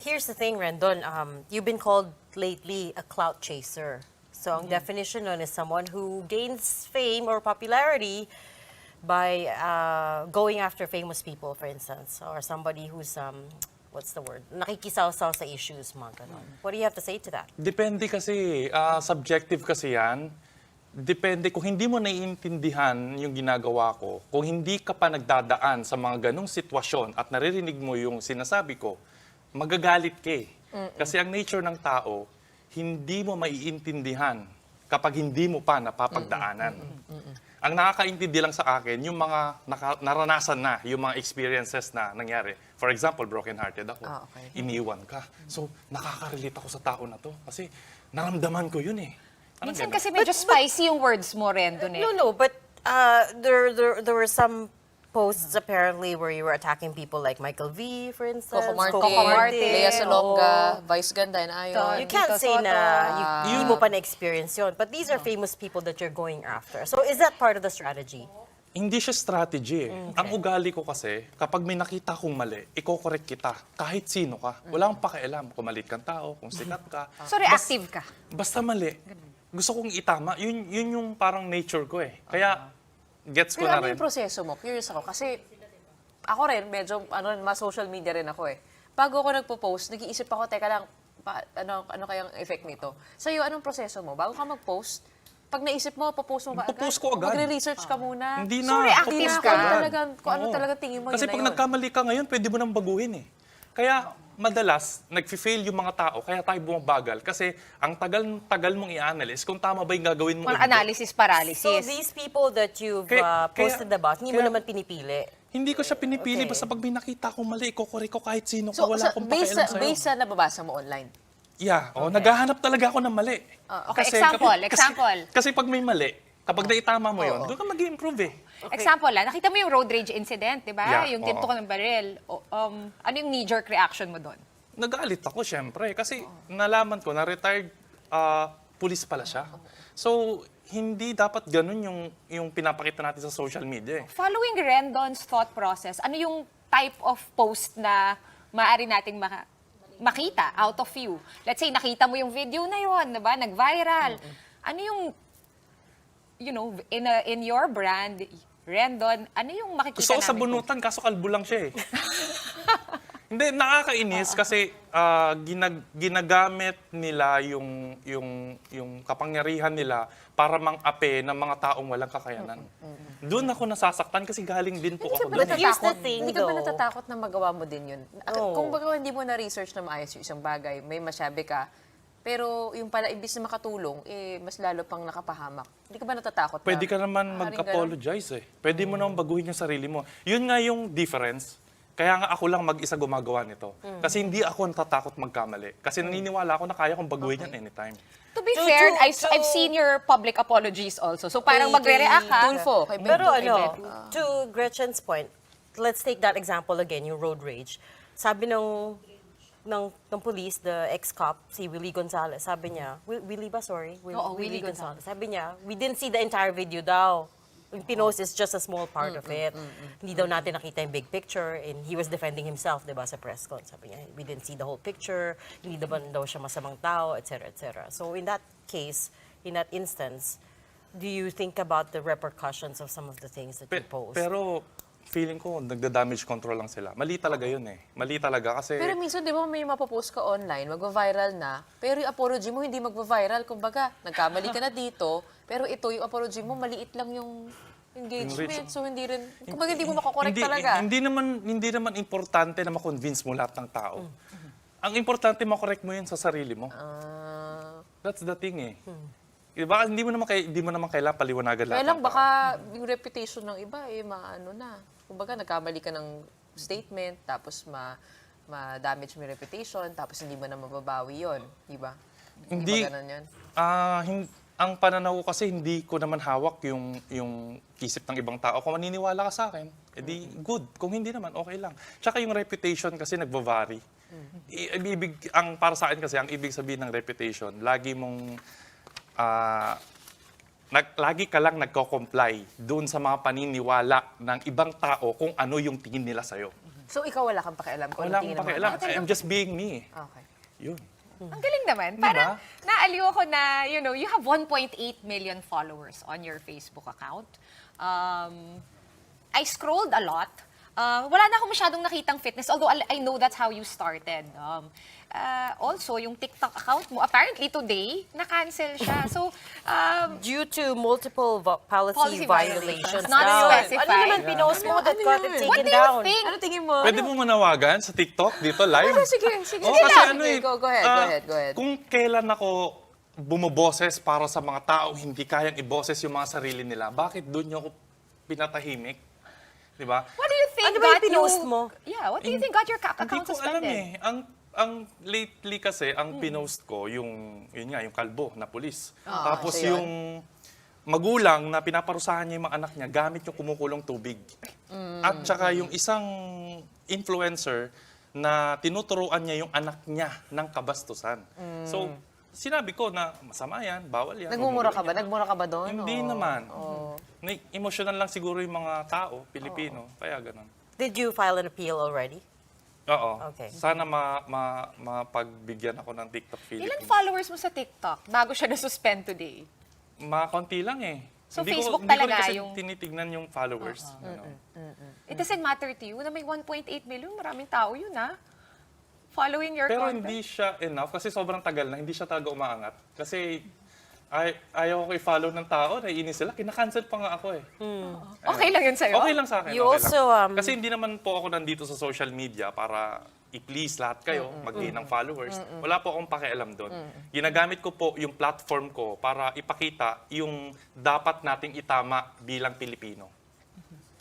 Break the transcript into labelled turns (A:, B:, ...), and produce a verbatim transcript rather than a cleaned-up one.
A: here's the thing, Rendon. Um, you've been called lately a clout chaser. So ang definition nun is someone who gains fame or popularity by uh, going after famous people, for instance, or somebody who's, um, what's the word, nakikisaw-saw sa issues, mga ganon. What do you have to say to that?
B: Depende kasi, ah, subjective kasi yan. Depende kung hindi mo naiintindihan yung ginagawa ko, kung hindi ka pa nagdadaan sa mga ganong sitwasyon at naririnig mo yung sinasabi ko, magagalit ka eh. Kasi ang nature ng tao, hindi mo maiintindihan kapag hindi mo pa napapagdaanan. Ang nakakaintindi lang sa akin, yung mga naka, naranasan na, yung mga experiences na nangyari. For example, broken-hearted ako.
C: Ah, okay.
B: Iniwan ka. So, nakaka-relate ako sa tao na to. Kasi naramdaman ko yun eh. Parang
C: Minsan
B: ganun.
C: kasi medyo spicy yung words mo, Rendon eh.
A: No, no, but uh, there, there, there were some posts apparently where you were attacking people like Michael V, for instance.
D: Coco Martin,
A: Coco Martin,
D: Lea Salonga,
A: oo.
D: Vice Ganda, and Ayon.
A: You can't
C: Tito
A: say
C: Soto.
A: na you, hindi mo pa na-experience yun. But these are famous people that you're going after. So is that part of the strategy?
B: Hindi siya strategy eh. Ang ugali ko kasi, kapag may nakita kong mali, iko-correct kita. Kahit sino ka. Wala akong pakialam kung malit kang tao, kung sikat ka.
C: So reactive ka.
B: Basta mali. Gusto kong itama. Yun, yun yung parang nature ko eh. Kaya, gets ko
D: Pero
B: na
D: ano
B: rin.
D: yung proseso mo? Curious ako. Kasi ako rin, medyo, ano, mas social media rin ako eh. Bago ako nagpo-post, nag-iisip ako, teka lang, pa, ano, ano kayang effect nito? Sa'yo, anong proseso mo? Bago ka mag-post, pag naisip mo, popost mo ba agad?
B: Popost ko agad.
D: Magre-research ka muna.
B: Hindi na.
C: So, reactive
D: Hindi na
C: ka.
D: kung talaga, kung ano
B: Oo.
D: talaga tingin mo,
B: Kasi
D: yun
B: pag
D: na yun.
B: nagkamali ka ngayon, pwede mo nang baguhin eh. Kaya madalas, nag-fail yung mga tao, kaya tayo bumabagal. Kasi ang tagal-tagal mong i-analyze kung tama ba yung gagawin mo.
C: Mga analysis paralysis.
A: So these people that you've
B: Kaya-
A: uh, posted
B: kaya-
A: about, hindi mo
B: kaya-
A: naman pinipili.
B: Hindi ko siya pinipili,
A: Okay.
B: basta pag may nakita akong mali, iko-correct ko kahit sino ka,
D: So,
B: wala
D: sa,
B: akong
D: based,
B: pakialam
D: sa,
B: sa'yo.
D: based sa nababasa mo online.
B: Yeah, oh, naghahanap talaga ako ng mali.
C: Ah, okay, example, example.
B: Kasi, kasi pag may mali, kapag naitama mo yun, doon ka mag-i-improve eh.
C: Example lang, nakita mo yung road rage incident, di ba?
B: Yeah,
C: Yung
B: oo.
C: tinto ng baril. O, um, ano yung knee-jerk reaction mo doon?
B: Nagalit ako, syempre. Kasi nalaman ko na retired ah, police pala siya. So, hindi dapat ganun yung, yung pinapakita natin sa social media eh.
C: Following Rendon's thought process, ano yung type of post na maaari nating maka- makita out of you? Let's say, nakita mo yung video na yun, diba? Nag-viral. Ano yung, you know, in, a, in your brand, Rendon, ano yung makikita
B: Gusto ko sa
C: namin?
B: bunutan, kaso kalbo lang siya eh. Hindi, nakakainis kasi ah, ginag- ginagamit nila yung, yung, yung kapangyarihan nila para mang-ape ng mga taong walang kakayanan. Doon ako nasasaktan kasi galing din po ako
D: Hindi ka ba
B: doon. eh.
A: Here's the
D: natatakot?
A: thing,
D: Hindi ka ba
A: though.
D: natatakot na magawa mo din yun?
A: Oo.
D: Kung baga hindi mo na-research na maayos yung isang bagay, may masyabi ka, pero yung pala, imbis na makatulong, eh, mas lalo pang nakapahamak. Hindi ka ba natatakot
B: Pwede
D: na?
B: ka naman
D: maaaring
B: mag-apologize eh. Pwede mo naman baguhin yung sarili mo. Yun nga yung difference. Kaya nga ako lang mag-isa gumagawa nito. Kasi hindi ako natatakot magkamali. Kasi naniniwala ako na kaya kong baguhin yan anytime.
C: To be
A: To-
C: fair,
A: to-
C: I've,
A: to-
C: I've seen your public apologies also. So parang
A: Kay-
C: magre-react ka.
D: Tulfo, kay
A: Pero
D: Beto, kay
A: ano,
D: Beto.
A: to Gretchen's point, let's take that example again, yung road rage. Sabi ng ng, ng police, the ex-cop, si Willie Gonzalez, sabi niya, Wi- Willie ba, sorry? Will-
C: Oo, Willie Gonzalez.
A: Sabi niya, we didn't see the entire video daw. Yung pinost is just a small part of it. Hindi daw natin nakita yung big picture, and he was defending himself, di ba, sa press con. Sabi niya, we didn't see the whole picture, hindi daw, daw siya masamang tao, et cetera, et cetera. So in that case, in that instance, do you think about the repercussions of some of the things that you
B: Pe-
A: post?
B: pero feeling ko, nagda-damage control lang sila. Mali talaga yun eh. Mali talaga kasi...
D: Pero minsan, di ba, may mapopost ka online, magva-viral na, pero yung apology mo hindi magva-viral. Kumbaga, nagkamali ka na dito, pero ito, yung apology mo, maliit lang yung engagement. So, hindi rin, kumbaga, hindi mo makakorek
B: hindi,
D: talaga.
B: Hindi naman, hindi naman importante na makonvince mo lahat ng tao. Ang importante, makorek mo yun sa sarili mo.
D: Ah,
B: That's the thing eh. Diba, hindi mo naman, kay, hindi mo naman kailangan paliwanagan lahat
D: kaya lang,
B: ng tao.
D: baka yung reputation ng iba, eh, maano na. Kumbaga, nagkamali ka ng statement, tapos ma ma-damage mo yung reputation, tapos hindi mo na mababawi yun. Di ba?
B: Hindi.
D: ba ganun yun?
B: Ah, hin- ang pananaw ko kasi hindi ko naman hawak yung yung isip ng ibang tao. Kung maniniwala ka sa akin, edi good. Kung hindi naman, okay lang. Tsaka yung reputation kasi nagva-vary. I- ibig, ang para sa akin kasi, ang ibig sabihin ng reputation, lagi mong ah, nag, lagi ka lang nagko-comply doon sa mga paniniwala ng ibang tao kung ano yung tingin nila sa'yo.
D: So, ikaw wala kang pakialam kung
B: Wala
D: ano tingin
B: akong
D: ng mga
B: pakialam. I'm just being me.
D: tao. Okay.
B: Yun.
C: Ang galing naman.
B: Diba?
C: Parang naaliw ako na, you know, you have one point eight million followers on your Facebook account. Um, I scrolled a lot. Uh, wala na akong masyadong nakitang fitness, although I I know that's how you started. Um, uh, also, yung TikTok account mo, apparently today, na-cancel siya. So, um,
A: Due to multiple vo- policy,
C: Policy
A: violations.
C: violations, not
A: daw.
C: specified.
A: Ano naman pinost mo that
D: Ano
A: got
D: yun?
A: it taken
C: what do you
A: down?
C: think?
D: Ano tingin mo?
B: Pwede mo manawagan sa TikTok dito live?
D: Oh, sige, sige.
B: Oo,
D: sige
B: kasi
D: lang.
B: ano
D: Sige,
B: eh,
D: go, go ahead, go
B: ah,
D: ahead, go ahead.
B: Kung kailan ako bumoboses para sa mga tao hindi kayang iboses yung mga sarili nila, bakit doon niyo ako pinatahimik? Di ba?
C: what do you think
A: Ano ba yung
C: got
A: pinost
C: you...
A: mo?
C: Yeah, what do you think got your ca-
B: Hindi
C: account
B: ko alam
C: suspended?
B: eh. Ang ang lately kasi ang pinost ko yung yun nga yung kalbo na pulis. Tapos
D: so yun.
B: yung magulang na pinaparusahan niya yung mga anak niya gamit yung kumukulong tubig. At saka yung isang influencer na tinuturuan niya yung anak niya ng kabastusan. So sinabi ko na masama yan, bawal yan.
D: Nagmumura
B: huwag
D: ka
B: mo
D: ba?
B: gawin yan.
D: Nagmura ka ba doon?
B: Hindi
D: o-
B: naman.
D: o-
B: Na emotional lang siguro yung mga tao, Pilipino. Kaya ganun.
A: Did you file an appeal already?
B: Oo.
A: Okay.
B: Sana ma, ma, mapagbigyan ako ng TikTok
C: Ilan
B: Philippines.
C: followers mo sa TikTok bago siya na-suspend today?
B: Mga konti lang eh.
C: So,
B: hindi
C: Facebook
B: ko, hindi
C: talaga
B: ko rin kasi
C: yung-
B: tinitignan yung followers. Ano.
C: It doesn't matter to you na may one point eight million, maraming tao yun ha. Following your
B: Pero
C: content.
B: hindi siya enough kasi sobrang tagal na, hindi siya talaga umaangat. Kasi ay, ayaw ko i-follow ng tao, naiinis sila, kinakancel pa nga ako eh.
C: Okay lang yun sa'yo?
B: Okay lang sa akin.
A: You
B: okay
A: also,
B: lang.
A: um,
B: Kasi hindi naman po ako nandito sa social media para i-please lahat kayo, mag-gain ng followers. Wala po akong pakialam doon. Ginagamit ko po yung platform ko para ipakita yung dapat nating itama bilang Pilipino.